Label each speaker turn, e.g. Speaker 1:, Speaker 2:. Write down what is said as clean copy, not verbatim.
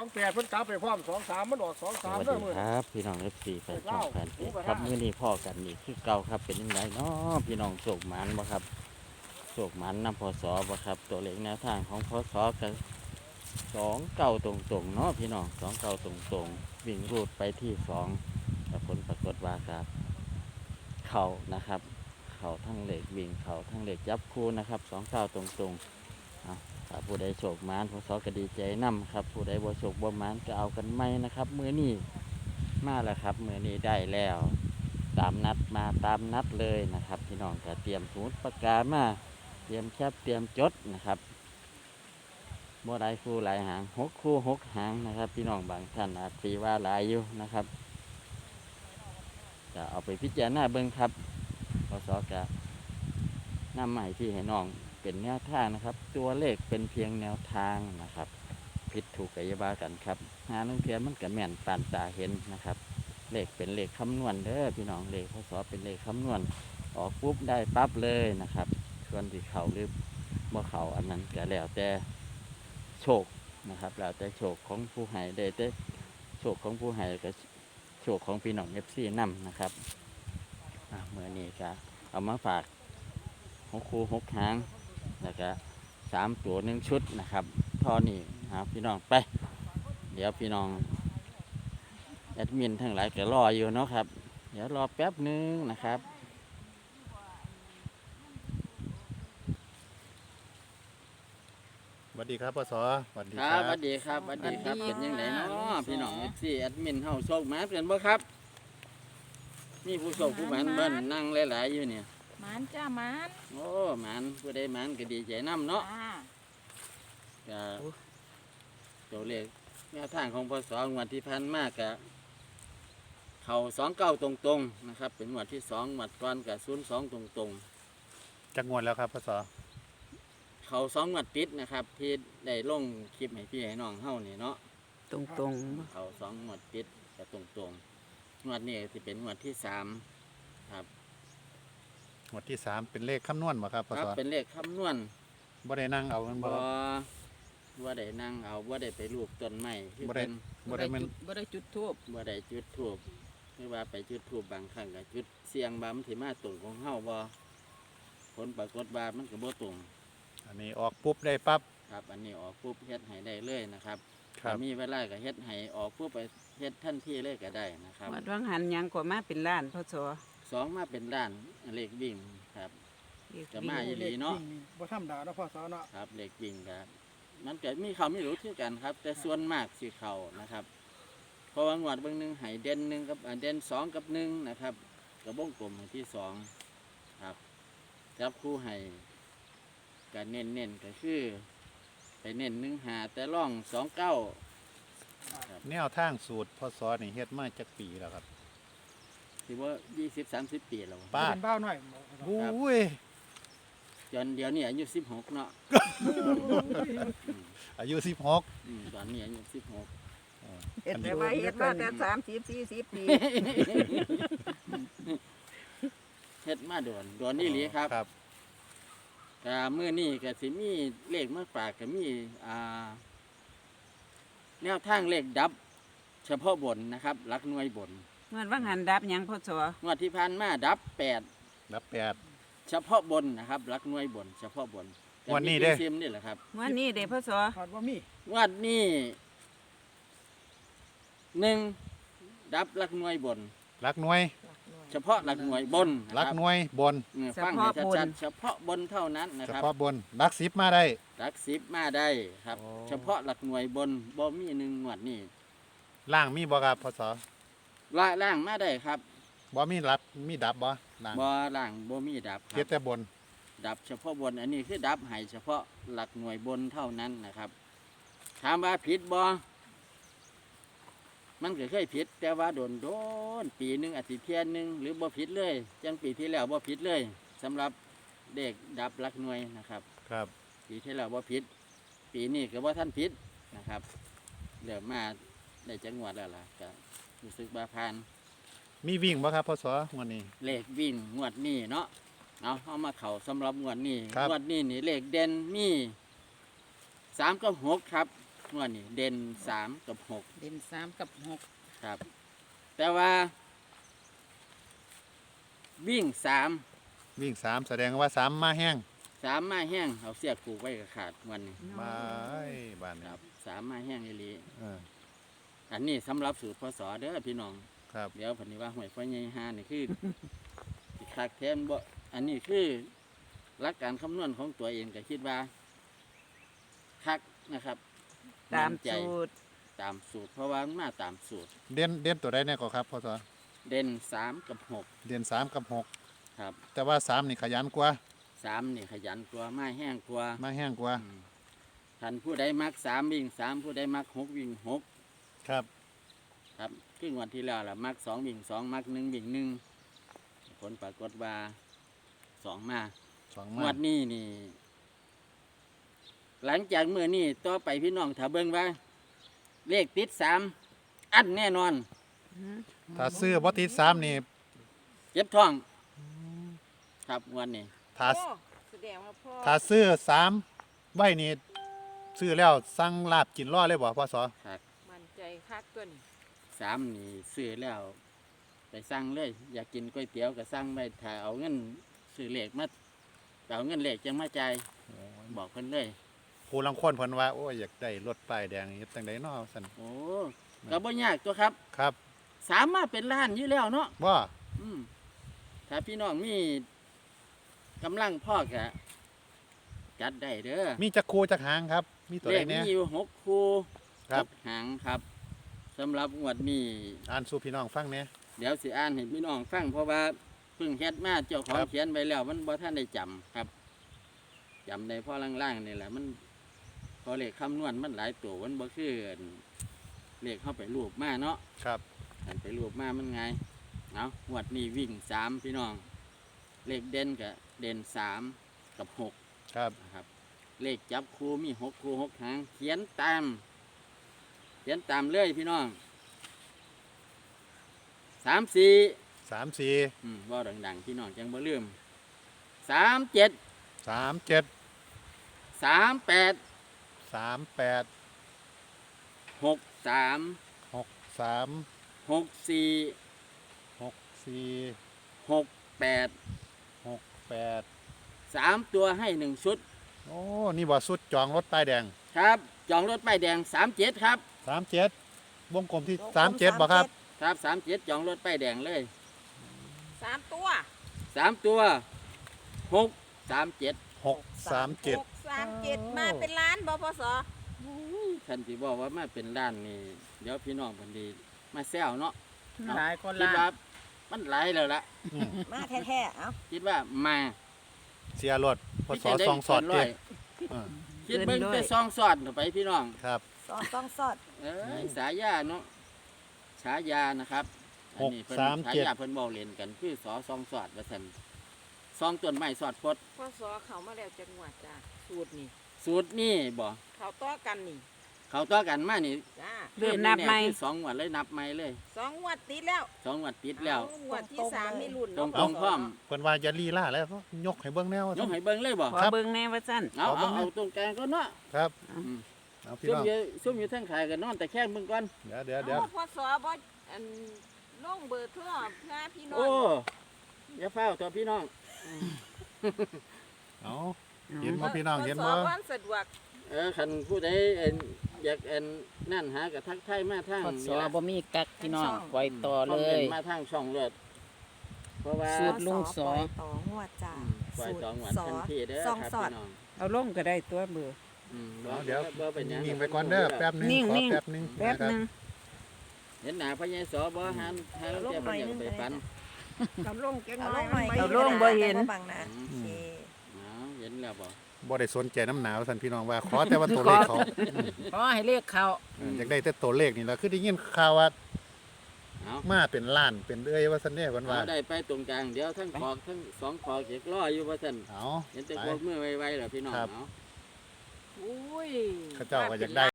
Speaker 1: 28เพิ่นกลับไปพร้อม23มันออก
Speaker 2: สวัส
Speaker 1: 23
Speaker 2: ดี
Speaker 1: เด้อมื้อ
Speaker 2: ครับพี่น้อง FC แฟนช่องแฟนเพจครับมื้อนี้พ่อกันนี่คือเก่าครับเป็นยังไงเนาะพี่น้องโศกหมันบ่ครับโศกหมันนำพศบ่ครับตัวเลขแนวทางของพศกัน29ตรงๆเนาะพี่น้อง29ตรงๆวิ่งรูดไปที่2แต่ผลปรากฏว่าครับเข้านะครับเข้าทั้งเลขวิ่งเข้าทั้งเลขจับคู่นะครับ29ตรงๆถ้าผู้ใดโชคหมานพศก็ดีใจนำครับผู้ใดบ่โชคบ่หมานก็เอากันไม่นะครับมื้อนี้มาแล้วครับมื้อนี้ได้แล้วตามนัดมาตามนัดเลยนะครับพี่น้องก็เตรียมสมุดปากกามาเตรียมแคปเตรียมจดนะครับบ่หลายคู่หลายหาง6คู่6หางนะครับพี่น้องบางท่านอาจสิว่าหลายอยู่นะครับก็เอาไปพิจารณาเบิ่งครับพศก็นำมาให้พี่ให้น้องเป็นแนวทางนะครับตัวเลขเป็นเพียงแนวทางนะครับผิดถูกกัยบากันครับหาลางเทียนมันก็แม่นปานตาเห็นนะครับเลขเป็นเลขคำนวณเด้อพี่น้องเลขพศเป็นเลขคำนวณออกปุ๊บได้ปั๊บเลยนะครับส่วนที่เขาหรือบ่เขาอันนั้นก็แล้วแต่โชคนะครับแล้วแต่โชคของผู้ให้ได้แต่โชคของผู้ให้ก็โชคของพี่น้องFCนำนะครับเมื่อนี้ก็เอามาฝาก6คู่6หางแล้วก็3ตัว1ชุดนะครับทอนี่พี่น้องไปเดี๋ยวพี่น้องแอดมินทั้งหลายก็รออยู่เนาะครับเดี๋ยวรอแป๊บนึงนะครับ
Speaker 3: สวัสดีครับปศสวัสดี
Speaker 2: ค
Speaker 3: ค
Speaker 2: รั
Speaker 3: รั
Speaker 2: บบ สวัสดีครับสวัสดีครับ
Speaker 4: สวัสดี
Speaker 2: เป็นยังไงเนาะ
Speaker 4: ค่ะ
Speaker 2: พี่น้องFCแอดมินเฮาโชคหมาเปลี่ยนบ่ครับมีผู้โชคผู้หมานเบิ้นนั่งหลายๆอยู่เนี่ย
Speaker 4: หมานจ้าหมาน
Speaker 2: โอ้หมานผู้ใดหมานก็ดีใจนํเนาะ
Speaker 4: จ้า
Speaker 2: ก็ตัวเลขแนวทางของพศงวดที่ผ่านมากะเขา29ตรงๆนะครับเป็นงวดที่2งวดก่อนกับ02ตรง
Speaker 3: จักงวดแล้วครับปศ
Speaker 2: ๆเขา2งวดติดนะครับที่ได้ลงคลิปให้พี่ให้น้องเฮานี่เนาะ
Speaker 4: ตรงตรง
Speaker 2: เขา2งวดติดกับตรงๆงวดนี้สิเป็นงวดที่3ครับ
Speaker 3: งวดที่3เป็นเลขคำนวณบ่ครับป
Speaker 2: ครั
Speaker 3: ศ
Speaker 2: บเป็นเลขคำนวณ
Speaker 3: บ่ได้นั่งเอามัน
Speaker 2: บ่
Speaker 3: บ่
Speaker 2: ว่าได้นั่งเอาว่าได้ไปรูปต้นไม้คือ
Speaker 3: บ่ได้
Speaker 2: เป็น
Speaker 3: บ่ได้มัน
Speaker 4: บ่ได้จุดทูบ
Speaker 2: บ่ได้จุดธูปหรือว่าไปจุดธูปบางครั้งก็จุดเสียงบามันสิมาตรงของเฮาบ่ผลปรากฏว่ามันก็บ่ตรง
Speaker 3: อันนี้ออกปุ๊บได้ปั๊บ
Speaker 2: ครับอันนี้ออกปุ๊บเฮ็ดให้ได้เลยนะครับ
Speaker 3: ครับ
Speaker 2: ถ้ามีเวลาก็เฮ็ดให้ออกปุ๊บไปเฮ็ดทันทีเลยก็ได้นะครับ
Speaker 4: วัดวังหันยังกว่ามาเป็นล้านพศ
Speaker 2: สองมาเป็นด้านเลขวิ่งครับ จะมาอีหลีเนาะ
Speaker 1: บ่ธรรมดาเนาะพ่อสาวเนาะ
Speaker 2: ครับเลขวิ่งครับมันก็มีเขาไม่รู้คือกันครับ แต่ส่วนมากสิเขานะครับเพราะว่างวดเบิ่งหนึงให้เด่นหนึ่งกับเด่น2กับ1นะครับกับวงกลมให้ที่2ครับจับคู่ให้ก็เน้นๆก็คือไปเน้น1-5แต่ร่อง29ครับ
Speaker 3: แนวทางสูตรปศนี่เฮ็ดมาจักปีแล้วครับ
Speaker 2: ถือว่า20-30 ปีแล้ว
Speaker 3: ป้า
Speaker 1: เป็นบ้าวหน่อย
Speaker 3: บุ้ย
Speaker 2: จนเดี๋ยวนี้อายุ16เนาะ
Speaker 3: อายุ
Speaker 2: ตอนนี้อายุ16
Speaker 4: เฮ็ดแต่ว่าเฮ็ดมาแต่30-40 ปี
Speaker 2: เฮ็ดมาโดนนี่หลีครับ
Speaker 3: ครับ
Speaker 2: ก็มื้อนี้ก็สิมีเลขมาฝากก็มีแนวทางเลขดับ เฉพาะบนนะครับหลักหน่วยบน
Speaker 4: เมื่อวังหันดับหยังพศ
Speaker 2: งวดที่ผ่านมาดับ
Speaker 3: รับ8
Speaker 2: 8เฉพาะบนนะครับหลักหน่วยบน เฉพาะบน
Speaker 3: งวดนี้เด้
Speaker 2: ซิมนี่แหละครับ
Speaker 4: วันนี้เด้พศ
Speaker 1: คาดว่ามี
Speaker 2: งวดนี้1ดับหลักหน่วยบน
Speaker 3: รักหน่วย
Speaker 2: เฉพาะหลักหน่วยบนนะ
Speaker 3: รัก
Speaker 2: ครับ
Speaker 3: หน่วยบน
Speaker 2: ฟังให้ชัดๆเฉพาะบนเท่านั้นนะ
Speaker 3: เฉ
Speaker 2: ครับ
Speaker 3: พาะบนรัก10มาได้
Speaker 2: หลัก10มาได้ครับ
Speaker 3: อ๋อ
Speaker 2: เฉพาะหลักหน่วยบนบ่มี1งวดนี้
Speaker 3: ล่างมีบ่ครับปศ
Speaker 2: ล่างมาได้ครับ
Speaker 3: บ่มีรับมีดับบ่ล่าง
Speaker 2: บ่ล่างบ่มีดับค
Speaker 3: เฮ็
Speaker 2: รั
Speaker 3: ด
Speaker 2: บ
Speaker 3: แต่บน
Speaker 2: ดับเฉพาะบนอันนี้คือดับให้เฉพาะหลักหน่วยบนเท่านั้นนะครับถามว่าผิดบ่มันก็เคยผิด แต่ว่าโดนปีหนึงอาทิตย์เที่ยหนึงหรือบ่ผิดเลยจังปีที่แล้วบ่ผิดเลยสำหรับเด็กดับหลักหน่วยนะครับ
Speaker 3: ครับ
Speaker 2: ปีที่แล้วบ่ผิด ปีนี้ก็บ่ท่านผิดนะครับเดี๋ยวมาได้จังหวัดแล้วล่ะก็รู้สึกว่าผ่าน
Speaker 3: มีวิ่งบ่ครับปศงวดนี้
Speaker 2: เลขวิ่งงวดนี้เนาะเอามาเข่าสำหรับงวดนี้
Speaker 3: ครับ
Speaker 2: งวดนี้นี่เลขเด่นมี3กับ6ครับงวดนี้เด่นสามกับหก
Speaker 4: เด่นสามกับหก
Speaker 2: ครับ แต่ว่า วิ่งสาม
Speaker 3: วิ่ง3แสดงว่า3มาแห้ง
Speaker 2: สามมาแห้งเอาเสียกผูกไว้กับขาดวันนี้
Speaker 3: บายบ้าน
Speaker 2: ค
Speaker 3: นี้
Speaker 2: รับสามมาแห้งอีหลี
Speaker 3: เออ
Speaker 2: อันนี้สำหรับสูตรพศเด้อพี่น้อง
Speaker 3: ครับ
Speaker 2: เดี๋ยวพันนี้ว่าหวยไฟใหญ่ห้านี่คือ สิคักแทนบ่อันนี้คือหลักการคำนวณของตัวเองก็คิดว่าคักนะครับ
Speaker 4: ตาม
Speaker 2: นใจ
Speaker 4: สูตร
Speaker 2: ตามสูตร เพราะว่ามันมาตามสูตร
Speaker 3: เด่นตัวใดแน่ก็ครับพ่อสอ
Speaker 2: เด่นสามกับหก
Speaker 3: เด่น3กับ6
Speaker 2: ครับ
Speaker 3: แต่ว่า3นี่ขยันกว่า
Speaker 2: สามนี่ขยันกว่ามาแห้งกว่า
Speaker 3: มาแห้งกว่า
Speaker 2: ท่านผู้ใดมักสามวิ่งสามผู้ใดมักหกวิ่งหก
Speaker 3: ครับ
Speaker 2: ครับครึ่งวันที่แล้วล่ะมักสองวิ่งสองมักหนึ่งวิ่งหนึ่งผลปรากฏว่าสองมา
Speaker 3: 2
Speaker 2: ง
Speaker 3: มาว
Speaker 2: ดนี้นี่ หลังจากเมื่อนี้ต่อไปพี่น้องถ้าเบิ่งว่า เลขติดสามอันแน่นอน
Speaker 3: ถ้าซื้อบ่ติด3นี่
Speaker 2: เจ็บท้อง ครับงวันนี้
Speaker 3: ถ้า
Speaker 4: โอ้แสดงว่าพ่อ
Speaker 3: ถ้าซื้อ3ไว้นี่ซื้อแล้วสั่งลาบกินรอเลยบ่พ่อสอ
Speaker 4: มันใจคักตัวนี้
Speaker 2: สามนี่ซื้อแล้ว ไปสั่งเลย อยากกินก๋วยเตี๋ยวก็สั่งไปถ้าเอาเงินซื้อเลขมาเอาเงินเลขจังมาจ่ายบอกเพิ่นเลย
Speaker 3: ผู้ลังคนเพิ่นว่าโอ้ยอยากได้รถป้ายแดงเฮ็ดจังไดเนาะซั่น
Speaker 2: โอ้ก็บ่ยากตัวครับ
Speaker 3: ครับ
Speaker 2: สามารถเป็นล้านอยู่แล้วเนาะ
Speaker 3: บ่
Speaker 2: อืมถ้าพี่น้องมีกำลังพ่อกะจัดได้เด้อ
Speaker 3: มีจักคูจักหางครับ มีตัว
Speaker 2: เล
Speaker 3: ใด
Speaker 2: ข
Speaker 3: แน่
Speaker 2: มีอยู่6คู่
Speaker 3: ครับ
Speaker 2: หางครับสำหรับงวดนี้
Speaker 3: อ่านสู่พี่น้องฟังแหน่
Speaker 2: เดี๋ยวสิอ่านให้พี่น้องฟังเพราะว่าเพิ่งเฮ็ดมาเจ้าของ
Speaker 3: ครับ
Speaker 2: เขียนไว้แล้ว มันบ่ทันได้จำครับจำได้พอล่างๆนี่แหละมันพอเลขคำนวณมันหลายตัวมันบ่คืออันเลขเข้าไปรูปมาเนาะ
Speaker 3: ครับ
Speaker 2: อันไปรูปมามันไงเอางวดนี้วิ่ง3พี่น้อง เลขเด่นกับเด่น3กับ6
Speaker 3: ครับ
Speaker 2: นะครับ เลขจับคู่มี6คู่6หางเขียนตามเลยพี่น้อง3 4
Speaker 3: 34
Speaker 2: ว่าดังๆพี่น้องจังบ่ลืม37
Speaker 3: 37
Speaker 2: 38
Speaker 3: 38
Speaker 2: 63
Speaker 3: 63
Speaker 2: 64
Speaker 3: 64
Speaker 2: 68
Speaker 3: 68
Speaker 2: 3ตัวให้1ชุด
Speaker 3: โอ้นี่บ่สุดจองรถป้ายแดง
Speaker 2: ครับจองรถป้ายแดง37ครับ
Speaker 3: 37วงกลมที่37บ่ครับ
Speaker 2: ครับ37จองรถป้ายแดงเลย
Speaker 4: สามตัว
Speaker 2: 3ตัว637
Speaker 3: 637
Speaker 4: หกสามเจ็ดมาเป็นล้านบ่พศ
Speaker 2: ท่านที่บอกว่ามาเป็นล้านนี่เดี๋ยวพี่น้องเพันดีมาแซวเนาะ
Speaker 4: หลายคน
Speaker 2: คิด
Speaker 4: ล้าน
Speaker 2: ว่ามันหลายแล้วล่ะ
Speaker 4: มาแท้ๆเอ้า
Speaker 2: คิดว่ามา
Speaker 3: เสียรถพศ
Speaker 2: พี่จะได้
Speaker 3: ซองสอด
Speaker 2: เกินร้
Speaker 3: เด้
Speaker 2: ย
Speaker 3: เออ
Speaker 2: คิดเบิ่งแต่ซองสอดเข้าไปพี่น้อง
Speaker 3: ครับ
Speaker 4: ต้องสอด
Speaker 2: เอ้ยสายาเนาะฉายานะครับอันนี้เพิ่น
Speaker 3: 637
Speaker 2: ฉายาเพิ่นเว้าเล่นกันคือสอซองสอดว่าซั่นซองต้นไม้สอดพด
Speaker 4: พศเขามาแล้วจังหวัดจ้าสูตรนี่
Speaker 2: สูตรนี่บ่
Speaker 4: เขาต่อกันนี่
Speaker 2: เขาต่อกันมานี่
Speaker 4: จ้า
Speaker 2: เริ่มนับใหม่สองงวดเลยนับใหม่เลย
Speaker 4: สองงวดติดแล้ว
Speaker 2: สองงวดติดแล้ว
Speaker 4: เอางวดที่สามมีรุ่น
Speaker 2: ตรง
Speaker 4: เนาะ
Speaker 2: ตรงพร้อม
Speaker 3: เพิ่นว่าอย่าลีลาแล้วยกให้เบิ่งแนวย
Speaker 2: กให้เบิ่งเลยบ่
Speaker 4: ขอเบิ่งแน่ว่าซั่น
Speaker 2: เอา
Speaker 3: ขอเบิ่
Speaker 2: เอา
Speaker 3: ง
Speaker 2: เอาตรงกลางก็เนาะ
Speaker 3: ครับ
Speaker 2: อืม
Speaker 3: เอาพี่
Speaker 2: ซุ่ม
Speaker 3: น้อง
Speaker 2: อยู่ซุ่มอยู่ทางขายกันนอนแต่แค่เบิ่งก่อน
Speaker 3: เดี๋ยว
Speaker 4: พศบ่อันลงเบอร์โทรเพื่อพี่น้อง
Speaker 2: โอ้อย่าเฝ้าตัวพี่น้อง
Speaker 3: เอาเห็นบ่พี่น้องเห็นบ่
Speaker 4: พศวันสะดวก
Speaker 2: คันผู้ใดอยากนั่นหากับทักทายมาทาง
Speaker 5: พศ
Speaker 2: นี่ล่ะ
Speaker 5: บ่มีกักพี่น้องปล่อยต่อ
Speaker 2: คอม
Speaker 5: เล
Speaker 2: เมน
Speaker 5: ย
Speaker 2: ต์มาทางช่องเลือดเพราะว่า
Speaker 5: สูตร ลุงสอ
Speaker 6: ปล่ยต่องวดจ้า
Speaker 2: ปล่อยสองวัน
Speaker 6: สอ
Speaker 2: ทันทีเด้อ
Speaker 6: สอง
Speaker 2: ครับ
Speaker 6: สอด
Speaker 2: พี่น้อง
Speaker 4: เอาลงก็ได้ตัวเบอร์
Speaker 3: เอาเดี๋ยว
Speaker 2: บ่เป็นหยัง
Speaker 3: นิ่งไปก่อนเด้อแป๊บหนึง
Speaker 4: นิ่ง
Speaker 3: ขอ
Speaker 4: นิ่ง
Speaker 3: แป๊บหนึง
Speaker 4: แป๊บ
Speaker 3: นะครั
Speaker 4: หนึง
Speaker 2: เห็นหน้าพญายสอบ่หันหาแล้วแกบ่อยากไปปัน
Speaker 4: เอาลงจัง
Speaker 6: เอา
Speaker 4: ห
Speaker 6: ล
Speaker 4: น่อย
Speaker 6: งหน่อย
Speaker 4: เอาลงบ่เห็น
Speaker 6: บังนะ
Speaker 2: อืม
Speaker 6: โอเค
Speaker 2: เห็นแล้วบ่
Speaker 3: บ่ได้สนใจน้ำหนาวท่านพี่น้องว่าขอแต่ว่าตัวเลขเขา
Speaker 5: ขอให้เลขเขา
Speaker 3: อยากได้แต่ตัวเลขนี่ล่ะคือได้ยินข่าวว่า
Speaker 2: เอา
Speaker 3: มาเป็นล้านเป็นเอ้ยว่าซั่นเด้เพิ่นว่า
Speaker 2: เอาได้ไปตรงกลางเดี๋ยวทั้งขอกทั้งสองขอกเก็บรออยู่ว่าซั่น
Speaker 3: เอา
Speaker 2: เห็นแต่
Speaker 3: ไป
Speaker 2: พวกมือไวๆเหรอพี่น้อง
Speaker 3: ครับ
Speaker 2: เนาะ
Speaker 4: อุ้ย
Speaker 3: เขาเจ้าก็อยากได้